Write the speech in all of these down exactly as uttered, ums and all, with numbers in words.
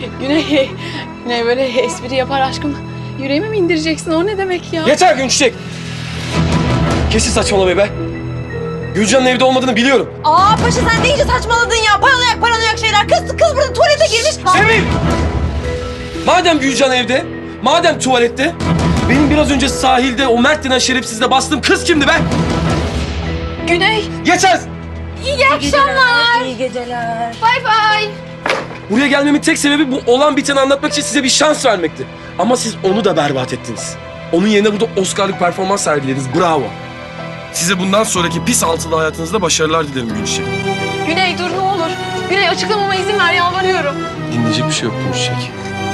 Güney, Güney böyle espri yapar aşkım. Yüreğime mi indireceksin? O ne demek ya? Yeter Günçiçek. Kesin saçmalamayı be. Gülcan'ın evde olmadığını biliyorum. Aa paşa sen de iyice saçmaladın ya. Paranoyak paranoyak şeyler. Kız kız burada tuvalete girmiş. Sevim! Madem Gülcan evde, madem tuvalette, benim biraz önce sahilde o Mert denen şerefsizle bastığım kız kimdi be? Güney, Yeter! İyi akşamlar. İyi geceler. bay bay. Buraya gelmemin tek sebebi bu olan biteni anlatmak için size bir şans vermekti. Ama siz onu da berbat ettiniz. Onun yerine burada Oscar'lık performans sergilediniz. Bravo. Size bundan sonraki pis altılı hayatınızda başarılar dilerim Gülçiçek. Güney dur ne olur. Güney açıklamama izin ver yalvarıyorum. Dinleyecek bir şey yok Gülçiçek.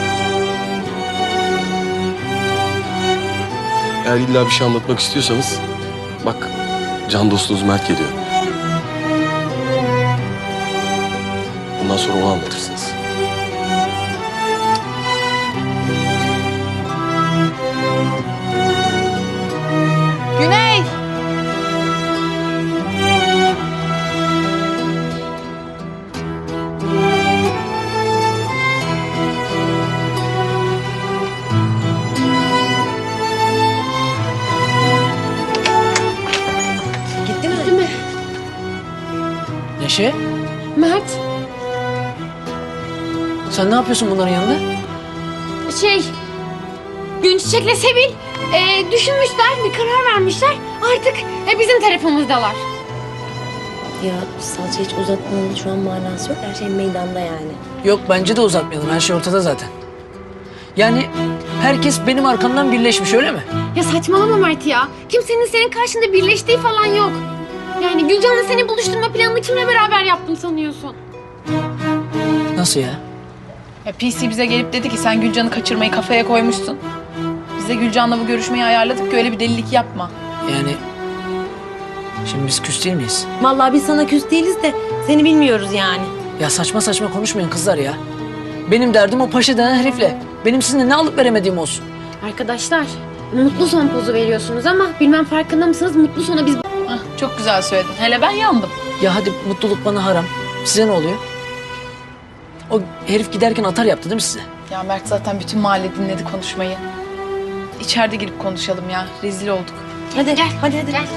Eğer illa bir şey anlatmak istiyorsanız, bak can dostunuz Mert geliyor. Bundan sonra onu anlatırsınız. Güney. Gitti mi? Değil mi? Neşe, Mert. sen ne yapıyorsun bunların yanında? Şey, Günçiçek'le Sevil e, düşünmüşler, bir karar vermişler. Artık e, bizim tarafımızdalar. Ya salça hiç uzatmanın şu an manası yok. Her şey meydanda yani. Yok, bence de uzatmayalım. Her şey ortada zaten. Yani herkes benim arkamdan birleşmiş, öyle mi? Ya saçmalama Mert ya. Kimsenin senin karşında birleştiği falan yok. Yani Gülcan'la seni buluşturma planını kimle beraber yaptım sanıyorsun? Nasıl ya? Ya P C bize gelip dedi ki sen Gülcan'ı kaçırmayı kafaya koymuşsun. Biz de Gülcan'la bu görüşmeyi ayarladık ki öyle bir delilik yapma. Yani şimdi biz küs değil miyiz? Vallahi biz sana küs değiliz de seni bilmiyoruz yani. Ya saçma saçma konuşmayın kızlar ya. Benim derdim o paşa denen herifle. Benim sizinle ne alıp veremediğim olsun. Arkadaşlar, mutlu son pozu veriyorsunuz ama bilmem farkında mısınız? Mutlu sona biz... Hah, çok güzel söyledin. Hele ben yandım. Ya hadi mutluluk bana haram. Size ne oluyor? O herif giderken atar yaptı değil mi size? Ya Mert zaten bütün mahalle dinledi konuşmayı. İçeride girip konuşalım ya. Rezil olduk. Hadi Gel, hadi hadi. gel.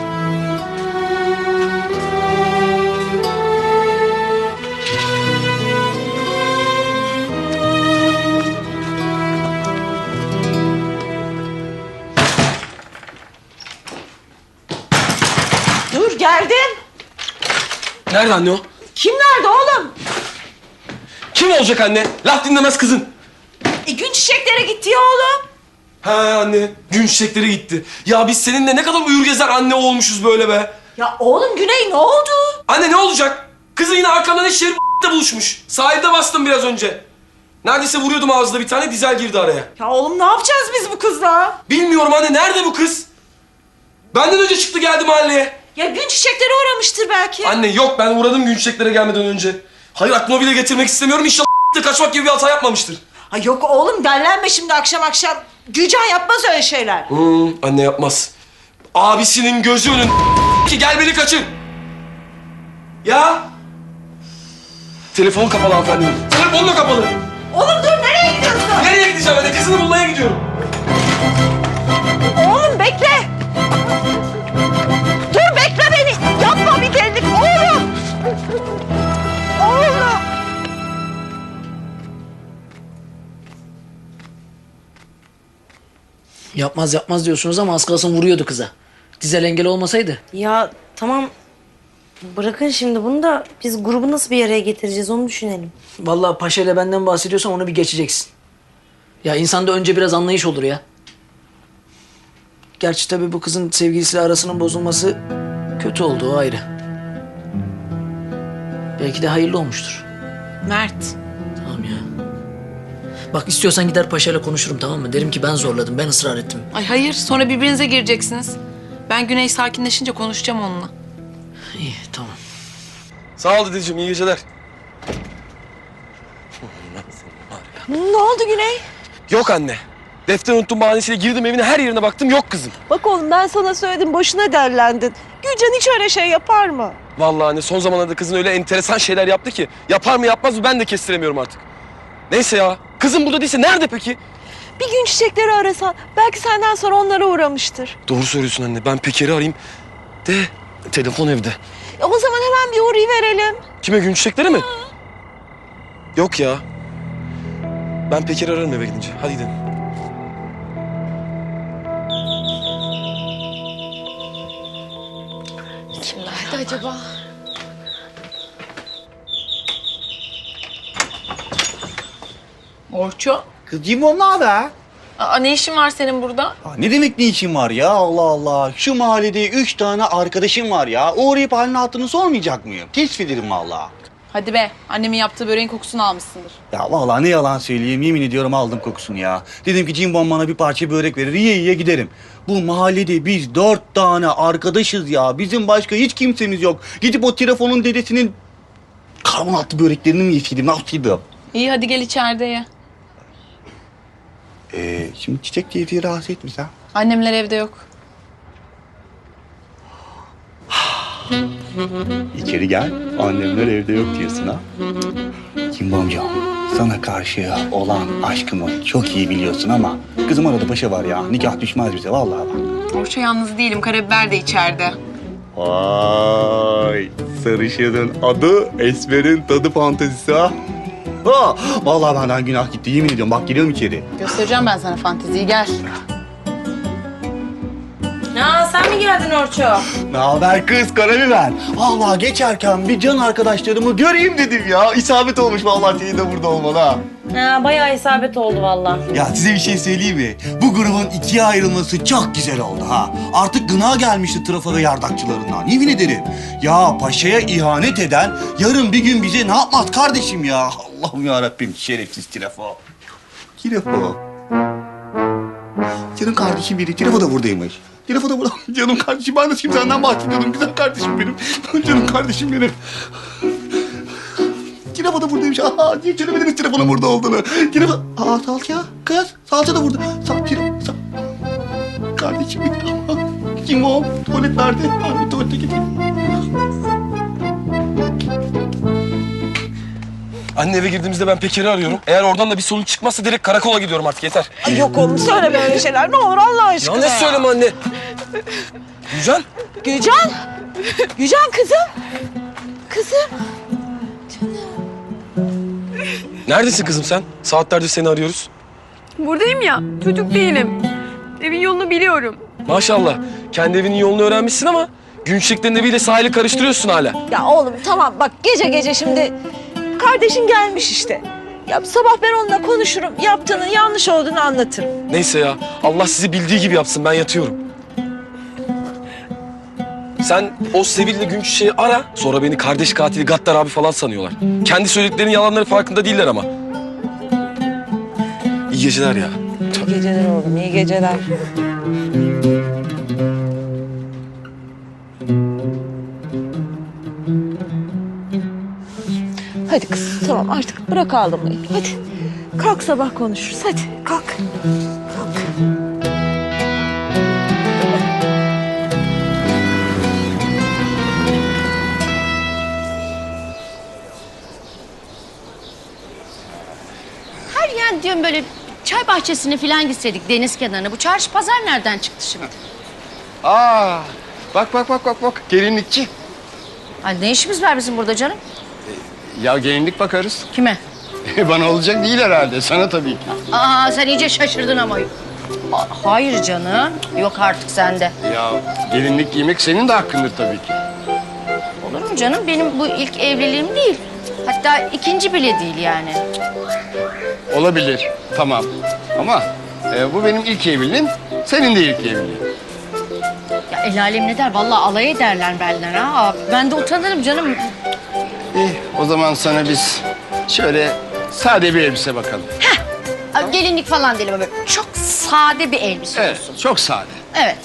Dur geldim. Nerede anne o? Kim nerede oğlum? Kim olacak anne? Laf dinlemez kızın. E, gün çiçeklere gitti ya oğlum. Ha anne, gün çiçekleri gitti. Ya biz seninle ne kadar uyur gezer anne olmuşuz böyle be. Ya oğlum Güney ne oldu? Anne ne olacak? Kızı yine arkamdan eşeği de buluşmuş. Sahilde bastım biraz önce. Neredeyse vuruyordum ağzına bir tane, dizel girdi araya. Ya oğlum ne yapacağız biz bu kızla? Bilmiyorum anne, nerede bu kız? Benden önce çıktı geldi mahalleye. Ya gün çiçeklere uğramıştır belki. Anne yok, ben uğradım gün çiçeklere gelmeden önce. Hayır, aklıma bile getirmek istemiyorum. İnşallah de kaçmak gibi bir hata yapmamıştır. Ha yok oğlum dellenme şimdi akşam akşam. Gülcan yapmaz öyle şeyler. Hmm, anne yapmaz. Abisinin gözü önün ki gel beni kaçır. Ya. Telefon kapalı hanımefendi. Telefon da kapalı. Oğlum dur nereye gidiyorsun? Nereye gideceğim anne? Kızını bulmaya gidiyorum. Oğlum bekle. Dur bekle beni. Yapma bir delilik oğlum. Oğlum. Yapmaz yapmaz diyorsunuz ama az kalsın vuruyordu kıza. Dizel engel olmasaydı. Ya tamam bırakın şimdi bunu da biz grubu nasıl bir araya getireceğiz onu düşünelim. Vallahi paşa ile benden bahsediyorsan onu bir geçeceksin. Ya insanda önce biraz anlayış olur ya. Gerçi tabii bu kızın sevgilisiyle arasının bozulması kötü oldu, o ayrı. Belki de hayırlı olmuştur. Mert. Tamam ya. Bak istiyorsan gider paşayla konuşurum, tamam mı? Derim ki ben zorladım, ben ısrar ettim. Ay hayır, sonra birbirinize gireceksiniz. Ben Güney sakinleşince konuşacağım onunla. İyi, tamam. Sağ ol dedeciğim, iyi geceler. Ne oldu Güney? Yok anne. Defter unuttum bahanesiyle girdim evine, her yerine baktım, yok kızım. Bak oğlum ben sana söyledim boşuna derlendin. Gülcan hiç öyle şey yapar mı? Vallahi anne son zamanlarda kızın öyle enteresan şeyler yaptı ki yapar mı yapmaz mı ben de kestiremiyorum artık. Neyse ya. Kızım burada değilse nerede peki? Bir gün çiçekleri arasan belki senden sonra onlara uğramıştır. Doğru söylüyorsun anne. Ben Peker'i arayayım. De telefon evde. E, o zaman hemen bir uğrayıverelim. Kime, gün çiçekleri mi? Yok ya. Ben Peker'i ararım eve gidince. Hadi gidelim. Kimlerdi acaba? Orço. Kızcığım o ne haber? Aa, ne işin var senin burada? Aa, ne demek ne işin var ya Allah Allah. Şu mahallede üç tane arkadaşım var ya. Uğrayıp halini hatırını sormayacak mıyım? Keşfederim vallahi. Hadi be. Annemin yaptığı böreğin kokusunu almışsındır. Ya vallahi ne yalan söyleyeyim, yemin ediyorum aldım kokusunu ya. Dedim ki Cimbom bana bir parça börek verir, yiye yiye giderim. Bu mahallede biz dört tane arkadaşız ya. Bizim başka hiç kimsemiz yok. Gidip o telefonun dedesinin karbonatlı böreklerini mi yeseydim, ne yapsaydım? İyi hadi gel içeride ye. Ee, şimdi Çiçek teyzeyi rahatsız etmiş ha. Annemler evde yok. İçeri gel, annemler evde yok diyorsun ha. Cimbomcuğum, sana karşı olan aşkımı çok iyi biliyorsun ama kızım arada paşa var ya, nikah düşmez bize vallahi bak. Orço yalnız değilim. Karabiber de içeride. Vay, sarışının adı, esmerin tadı fantezisi ha. Ha, vallahi benden günah gitti, yemin ediyorum. Bak geliyorum içeri. Göstereceğim ben sana fanteziyi. Gel. Ya sen mi geldin Orço? Ne haber kız, karabiber? Vallahi geçerken bir can arkadaşlarımı göreyim dedim ya. İsabet olmuş vallahi senin de burada olman ha. Ha, bayağı isabet oldu vallahi. Ya size bir şey söyleyeyim mi? Bu grubun ikiye ayrılması çok güzel oldu ha. Artık gına gelmişti trafo ve yardakçılarından. Yemin ederim. Ya paşaya ihanet eden yarın bir gün bize ne yapmaz kardeşim ya? Allah'ım yarabbim, şerefsiz trafo. Trafo. Canım kardeşim biri. Trafo da buradaymış. Trafo da burada. Canım kardeşim, ben de şimdi senden bahsediyordum. Güzel kardeşim benim. Canım kardeşim benim. Trafo da buradaymış. Aa, niye söylemediniz Trafo'nun burada olduğunu? Trafo... Aa, salça. Kız, salça da burada. Sal, Trafo, sal... Kardeşim benim. Kim o? Tuvalet nerede? Abi tuvalete gideyim. Anne eve girdiğimizde ben Peker'i arıyorum. Eğer oradan da bir sonuç çıkmazsa direkt karakola gidiyorum artık, yeter. Ay yok oğlum, söyleme öyle şeyler. Ne olur Allah aşkına. Ya ne söyleme anne? Gülcan? Gülcan. Gülcan kızım. Kızım. Neredesin kızım sen? Saatlerdir seni arıyoruz. Buradayım ya. Çocuk değilim. Evin yolunu biliyorum. Maşallah. Kendi evinin yolunu öğrenmişsin ama gün çiçeklerinin eviyle sahili karıştırıyorsun hala. Ya oğlum tamam bak, gece gece şimdi kardeşin gelmiş işte. Ya sabah ben onunla konuşurum. Yaptığının yanlış olduğunu anlatırım. Neyse ya. Allah sizi bildiği gibi yapsın. Ben yatıyorum. Sen o Sevil'le gün çiçeği ara. Sonra beni kardeş katili Gattar abi falan sanıyorlar. Kendi söylediklerinin yalanları farkında değiller ama. İyi geceler ya. İyi geceler oğlum, iyi geceler. Hadi kız, tamam artık bırak ağlamayı. Hadi kalk, sabah konuşuruz. Hadi kalk. Kalk. Her yer diyorum böyle çay bahçesine falan gitseydik, deniz kenarına. Bu çarşı pazar nereden çıktı şimdi? Aa, bak bak bak bak bak gelinlikçi. Ay ne işimiz var bizim burada canım? Ya gelinlik bakarız. Kime? Bana olacak değil herhalde, sana tabii ki. Aa sen iyice şaşırdın ama. Aa, hayır canım. Yok artık sende. Ya gelinlik giymek senin de hakkındır tabii ki. Olur mu canım? Benim bu ilk evliliğim değil. Hatta ikinci bile değil yani. Olabilir, tamam. Ama e, bu benim ilk evliliğim, senin de ilk evliliğin. Ya el alem ne der? Vallahi alay ederler benden ha. Ben de utanırım canım. İyi, o zaman sana biz şöyle sade bir elbise bakalım. Aa, gelinlik falan değil ama böyle çok sade bir elbise Evet, olsun. çok sade. Evet.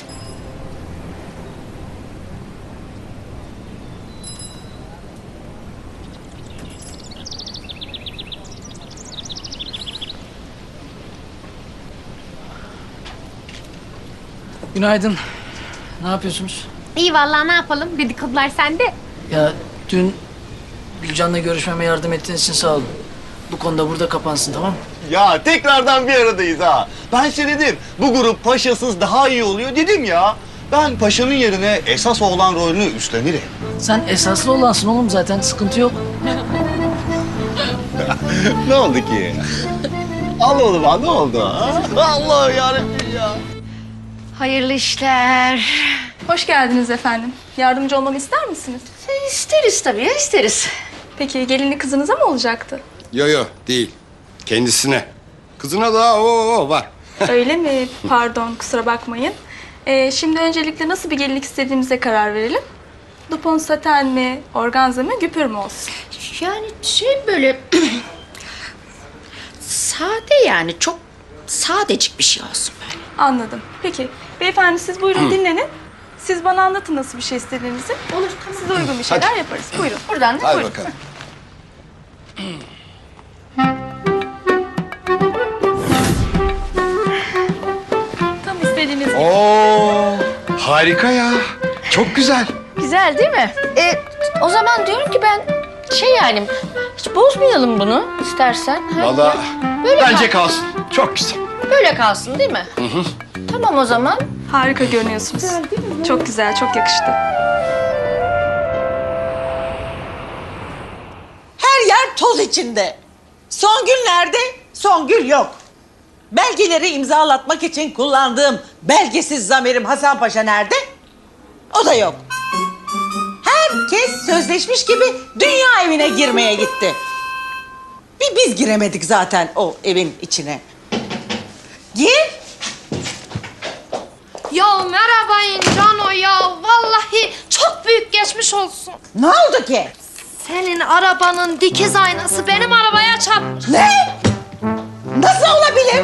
Günaydın. Ne yapıyorsunuz? İyi vallahi, ne yapalım? Dedikodular sende. Ya dün Gülcan'la görüşmeme yardım ettiğiniz için sağ olun. bu konuda burada kapansın, tamam mı? Ya tekrardan bir aradayız ha. Ben size dedim bu grup paşasız daha iyi oluyor dedim ya. Ben paşanın yerine esas oğlan rolünü üstlenirim. Sen esaslı olansın oğlum, zaten sıkıntı yok. Ne oldu ki? Al oğlum ha, ne oldu ha? Allah yarabbim ya. Hayırlı işler. Hoş geldiniz efendim. Yardımcı olmamı ister misiniz? İsteriz tabii ya, isteriz. Peki gelinli kızınıza mı olacaktı? Yo yo değil. Kendisine. Kızına da o o var. Öyle mi? Pardon, kusura bakmayın. Ee, şimdi öncelikle nasıl bir gelinlik istediğimize karar verelim. Dupont saten mi, organza mı, güpür mü olsun? Yani şey böyle sade, yani çok sadecik bir şey olsun böyle. Anladım. Peki, beyefendi siz buyurun dinlenin. Siz bana anlatın nasıl bir şey istediğinizi. Olur, tamam. Size uygun bir şeyler yaparız. Buyurun. Buradan da Hadi buyurun. bakalım. Tam istediğiniz gibi. Oo, harika ya. Çok güzel. Güzel değil mi? E, o zaman diyorum ki ben şey yani hiç bozmayalım bunu istersen. Ha? Vallahi Böyle bence kalsın. Çok güzel. Böyle kalsın değil mi? Hı hı. Tamam o zaman. Harika görünüyorsunuz. Çok güzel, çok yakıştı. Her yer toz içinde. Songül nerede? Songül yok. Belgeleri imzalatmak için kullandığım belgesiz zamerim Hasan Paşa nerede? O da yok. Herkes sözleşmiş gibi dünya evine girmeye gitti. Bir biz giremedik zaten o evin içine. Gir. Ya merhaba Cano ya. Vallahi çok büyük geçmiş olsun. Ne oldu ki? Senin arabanın dikiz aynası benim arabaya çarpmış. Ne? Nasıl olabilir?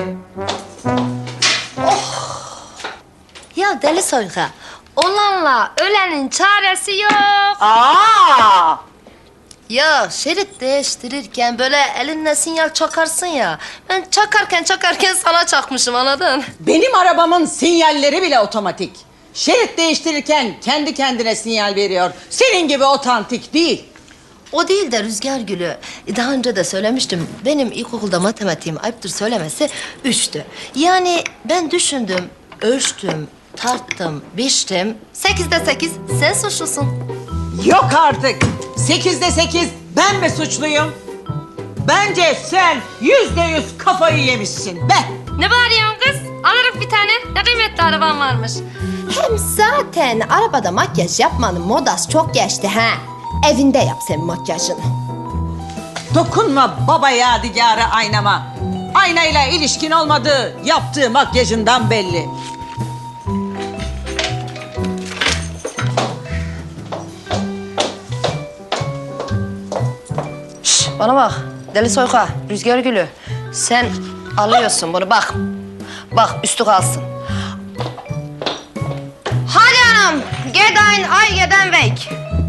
Ya deli soyka. Olanla ölenin çaresi yok. Aa! Ya şerit değiştirirken böyle elinle sinyal çakarsın ya. Ben çakarken çakarken sana çakmışım, anladın? Benim arabamın sinyalleri bile otomatik. Şerit değiştirirken kendi kendine sinyal veriyor. Senin gibi otantik değil. O değil de Rüzgar Gülü. Daha önce de söylemiştim. Benim ilkokulda matematiğim, ayıptır söylemesi, üçtü. Yani ben düşündüm, ölçtüm, tarttım, biçtim. Sekizde sekiz, sen suçlusun. Yok artık. Sekizde sekiz ben mi suçluyum? Bence sen yüzde yüz kafayı yemişsin be. Ne bağırıyorsun kız? Alırım bir tane. Ne kıymetli araban varmış. Hem zaten arabada makyaj yapmanın modası çok geçti ha. Evinde yap sen makyajını. Dokunma baba yadigarı aynama. Aynayla ilişkin olmadığı yaptığı makyajından belli. Şş, bana bak deli soyka, Rüzgar Gülü. Sen alıyorsun bunu, bak. Bak üstü kalsın. Hadi hanım, gedein ay geden vek.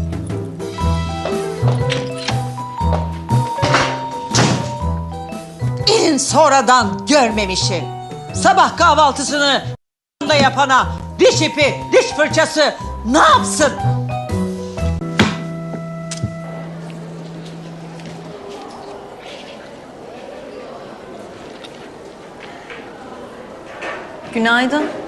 İn sonradan görmemişim. Sabah kahvaltısını da yapana diş ipi, diş fırçası ne yapsın? Günaydın.